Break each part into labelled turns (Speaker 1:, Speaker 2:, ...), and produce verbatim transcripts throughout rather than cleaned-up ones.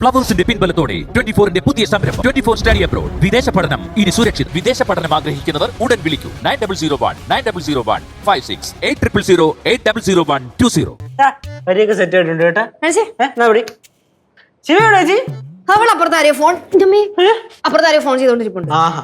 Speaker 1: ഫ്ലവേഴ്സിന്റെ പിൻബലത്തോടെ twenty ഫോറിന്റെ പുതിയ സംരംഭം ട്വന്റി ഫോർ സ്റ്റഡി അബ്രോഡ്. വിദേശ പഠനം ഇനി സുരക്ഷിത്. വിദേശ പഠനം ആഗ്രഹിക്കുന്നവർ ഉടൻ വിളിക്കൂ nine double zero one nine double zero one five six eight triple zero eight double zero one two zero.
Speaker 2: വരിയൊക്കെ സെറ്റ് ആയിട്ടുണ്ട് കേട്ടാ. ശിവയുടെ ചേച്ചി
Speaker 3: അവൾ അപ്പുറത്താരെയോ ഫോൺ അപ്പുറത്താരെയോ ഫോൺ ചെയ്തോണ്ടിരിപ്പുണ്ട്.
Speaker 2: ആഹാ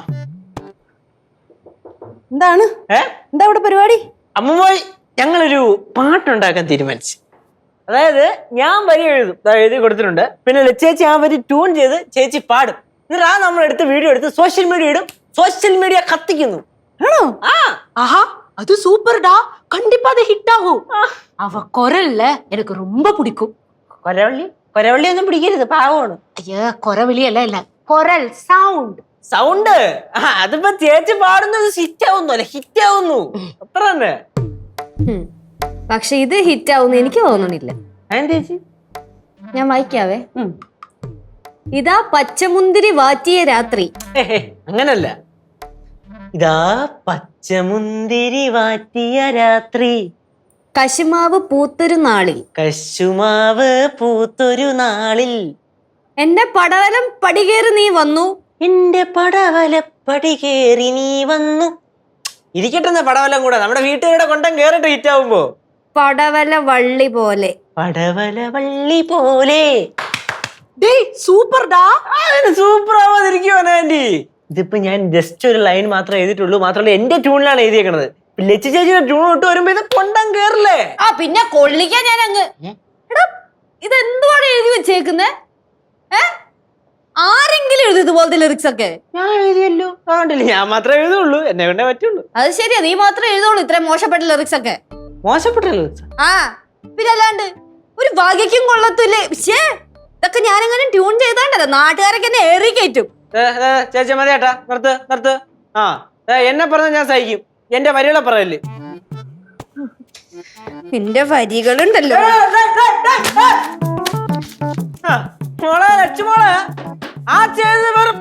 Speaker 3: എന്താണ് എന്താ ഇവിടെ പരിപാടി?
Speaker 2: അമ്മൂമ്മോയ് ഞങ്ങളൊരു പാട്ടുണ്ടാക്കാൻ തീരുമാനിച്ചു. അതായത് ഞാൻ വരി എഴുതും, എഴുതി കൊടുത്തിട്ടുണ്ട്. പിന്നെ ചേച്ചി ആ വരി ട്യൂൺ ചെയ്ത് ചേച്ചി പാടും. എന്നിട്ട് ആ നമ്മൾ എടുത്ത് വീഡിയോ എടുത്ത് സോഷ്യൽ മീഡിയ ഇടും. സോഷ്യൽ മീഡിയ കത്തിക്കുന്നു.
Speaker 3: ആണോ?
Speaker 2: ആ
Speaker 4: ஆஹா அது சூப்பர்டா, கண்டிப்பா அது ஹிட் ஆகும். அவ குரல்ல எனக்கு ரொம்ப பிடிக்கும்.
Speaker 2: കൊരവള്ളി കൊരവള്ളി ഒന്നും പിടിക്കരുത്, പാവമാണ്.
Speaker 4: ஐயா குரவழி எல்லாம் இல்ல, குரல் சவுண்ட்
Speaker 2: സൗണ്ട് അതിപ്പോ ചേച്ചി പാടുന്നത് ഹിറ്റ് ആവുന്നു അല്ലെ, ഹിറ്റ് ആവുന്നു അത്ര തന്നെ.
Speaker 3: പക്ഷെ ഇത് ഹിറ്റ് ആവുന്ന എനിക്ക് തോന്നണില്ല.
Speaker 2: അതെന്താ ചേച്ചി?
Speaker 3: ഞാൻ വായിക്കാവേ. ഇതാ പച്ചമുന്തിരി വാറ്റിയ രാത്രി.
Speaker 2: അങ്ങനല്ല, ഇതാ പച്ചമുന്തിരി വാറ്റിയ രാത്രി,
Speaker 3: കശുമാവ് പൂത്തൊരു നാളിൽ,
Speaker 2: കശുമാവ് പൂത്തൊരു നാളിൽ,
Speaker 3: എന്റെ പടവലം പടികേറി നീ വന്നു,
Speaker 2: എന്റെ പടവലപ്പടി കേറി നീ വന്നു. ഇരിക്കട്ടെ പടവലം കൂടെ, നമ്മുടെ വീട്ടുകാരുടെ കൊണ്ടം കേറിട്ട് ഹിറ്റ് ആവുമ്പോ.
Speaker 3: പടവല വള്ളി പോലെ,
Speaker 2: പടവല വള്ളി പോലെ.
Speaker 4: டேய் சூப்பர்டா.
Speaker 2: സൂപ്പർ ആവാതിരിക്കുവാ ആന്റി. ഇതിപ്പോ ഞാൻ ജസ്റ്റ് ഒരു ലൈൻ മാത്രമേ എഴുതിയിട്ടുള്ളൂ. മാത്രമല്ല എന്റെ ട്യൂണിലാണ് എഴുതിയേക്കണത്. ലച്ചു ചേച്ചിയുടെ ട്യൂൺ ഇട്ട് വരുമ്പോ ഇത് കൊണ്ടം കേറില്ലേ?
Speaker 3: ആ പിന്നെ കൊള്ളിക്കാൻ ഞാൻ അങ്ങ്. എടാ ഇതെന്തുവാണ് എഴുതി വെച്ചേക്കുന്നേ? ഏ ആരെങ്കിലും എഴുതി ഇതുപോലത്തെ ലിറിക്സ് ഒക്കെ?
Speaker 2: ഞാൻ എഴുതിയല്ലോ, അതുകൊണ്ടില്ല ഞാൻ മാത്രമേ എഴുതുള്ളൂ, എന്നെ കൊണ്ടേ പറ്റുള്ളൂ.
Speaker 3: അത് ശരിയാ, നീ മാത്രമേ എഴുതുള്ളൂ ഇത്രയും മോശപ്പെട്ട ലിറിക്സ് ഒക്കെ.
Speaker 2: മോശപ്പെട്ടല്ലോ.
Speaker 3: ആ പിന്നെ അല്ലാണ്ട് ഒരു വകയ്ക്കും കൊള്ളത്തില്ലേ. ശ്ശേ, ഇതൊക്കെ ഞാനെങ്ങനെ ട്യൂൺ ചെയ്താണ്ടല്ലോ നാട്ടുകാരൊക്കെ എന്നെ ഏറി കയറ്റും.
Speaker 2: ചേച്ചി മതി ഏട്ടാ, നിർത്ത് നിർത്ത്. ആ എന്നെ പറഞ്ഞ ഞാൻ സഹിക്കും, എന്റെ വരികളെ പറയല്ലേ.
Speaker 3: നിന്റെ വരികളുണ്ടല്ലോ.
Speaker 2: മോളെ ലക്ഷ്മോളെ ആ ചെയ്ത് വെറും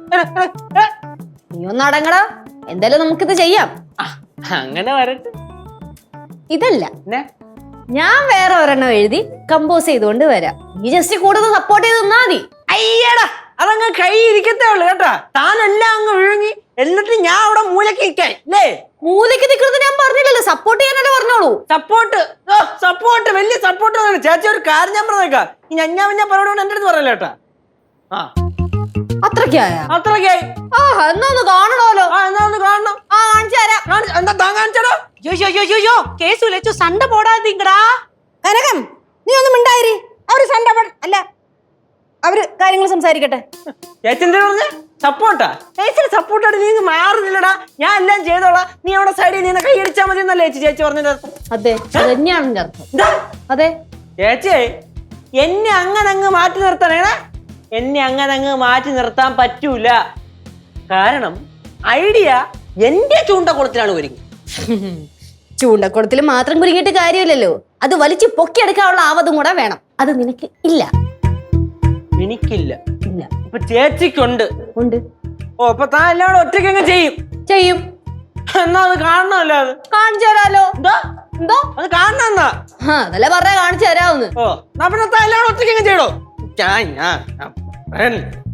Speaker 3: നീ ഒന്ന് അടങ്ങടാ. എന്തായാലും നമുക്കിത് ചെയ്യാം.
Speaker 2: അങ്ങനെ വരട്ടെ.
Speaker 3: ഇതല്ല, ഞാൻ വേറെ ഒരെണ്ണം എഴുതി കമ്പോസ് ചെയ്തുകൊണ്ട് വരാം. നീ ജസ്റ്റ് കൂടുതൽ സപ്പോർട്ട് ചെയ്ത് തന്നാ മതി.
Speaker 2: അയ്യടാ, അതങ്ങ് കൈ ഇരിക്കത്തേ ഉള്ളു കേട്ടാ. താനെല്ലാം അങ്ങ് വിഴുങ്ങി എന്നിട്ട് ഞാൻ അവിടെ മൂലക്ക് ഇരിക്കാൻ അല്ലേ?
Speaker 3: മൂലയ്ക്ക് നിൽക്കുന്നത് ഞാൻ പറഞ്ഞില്ലല്ലോ, സപ്പോർട്ട് ചെയ്യാനല്ലേ പറഞ്ഞോളൂ.
Speaker 2: സപ്പോർട്ട് സപ്പോർട്ട് വലിയ സപ്പോർട്ട്. ചേച്ചി ഒരു കാര്യം ഞാൻ പറഞ്ഞേക്കാം, ഈ ഞഞ്ഞാ പിന്നെ പറയോട് എന്റെ അടുത്ത് പറയല്ലോ കേട്ടാ. ആ
Speaker 3: അത്രക്കായ
Speaker 2: അത്രക്കായി.
Speaker 3: ആ എന്നാ ഒന്ന് കാണണമല്ലോ.
Speaker 2: ആ എന്നാ ഒന്ന് കാണണം.
Speaker 3: ആ കാണിച്ചു തരാം.
Speaker 2: എന്താ താൻ കാണിച്ചടോ?
Speaker 4: யோ யோ யோ யோ யோ கேசு லெச்சு சண்டை போடாதீங்கடா.
Speaker 3: കനകം നീ ഒന്നും മിണ്ടായിരി. അവര് സണ്ട അല്ല അവര് കാര്യങ്ങൾ സംസാരിക്കട്ടെ.
Speaker 2: ചേച്ചി എന്താ പറഞ്ഞ? സപ്പോർട്ടാ? ചേച്ചിയുടെ സപ്പോർട്ടായിട്ട് നീ മാറുന്നില്ലടാ. ഞാൻ എല്ലാം ചെയ്തോളാം, നീ അവിടെ സൈഡിൽ നിന്ന് കൈ അടിച്ചാൽ മതി എന്നല്ലേ ചേച്ചി ചേച്ചി പറഞ്ഞതിന്റെ അർത്ഥം?
Speaker 3: അതെ, അത് തന്നെയാണ് എന്റെ അർത്ഥം. അതെ
Speaker 2: ചേച്ചി എന്നെ അങ്ങനെ അങ്ങ് മാറ്റി നിർത്തണേണ. എന്നെ അങ്ങനെ അങ്ങ് മാറ്റി നിർത്താൻ പറ്റൂല. കാരണം ഐഡിയ എന്റെ ചൂണ്ടക്കുളത്തിലാണ് ഒരുങ്ങി.
Speaker 3: ചൂണ്ടക്കുളത്തിൽ മാത്രം കുരുങ്ങിയിട്ട് കാര്യമില്ലല്ലോ, അത് വലിച്ചു പൊക്കിയെടുക്കാനുള്ള ആവതും കൂടെ വേണം. അത് നിനക്ക് ഇല്ല.
Speaker 2: എനിക്കില്ല.
Speaker 3: ഇല്ല.
Speaker 2: ഇപ്പൊ ചേച്ചിക്കുണ്ട്.
Speaker 3: ഉണ്ട്.
Speaker 2: ഓ അപ്പൊ താൻ എല്ലാവരും ഒറ്റയ്ക്ക് അങ്ങ് ചെയ്യും.
Speaker 3: ചെയ്യും.
Speaker 2: എന്നാ അത് കാണണമല്ലോ. അത്
Speaker 3: കാണിച്ചു തരാലോ.
Speaker 2: എന്താ
Speaker 3: എന്തോ
Speaker 2: അത് കാണണം എന്നാ?
Speaker 3: ആ അതല്ലേ പറഞ്ഞ കാണിച്ചു തരാവുന്ന്.
Speaker 2: ഓ എന്നാ പിന്നെ താൻ എല്ലാവരും ഒറ്റയ്ക്ക് അങ്ങ് ചെയ്യടോ. ഞാൻ ഞാൻ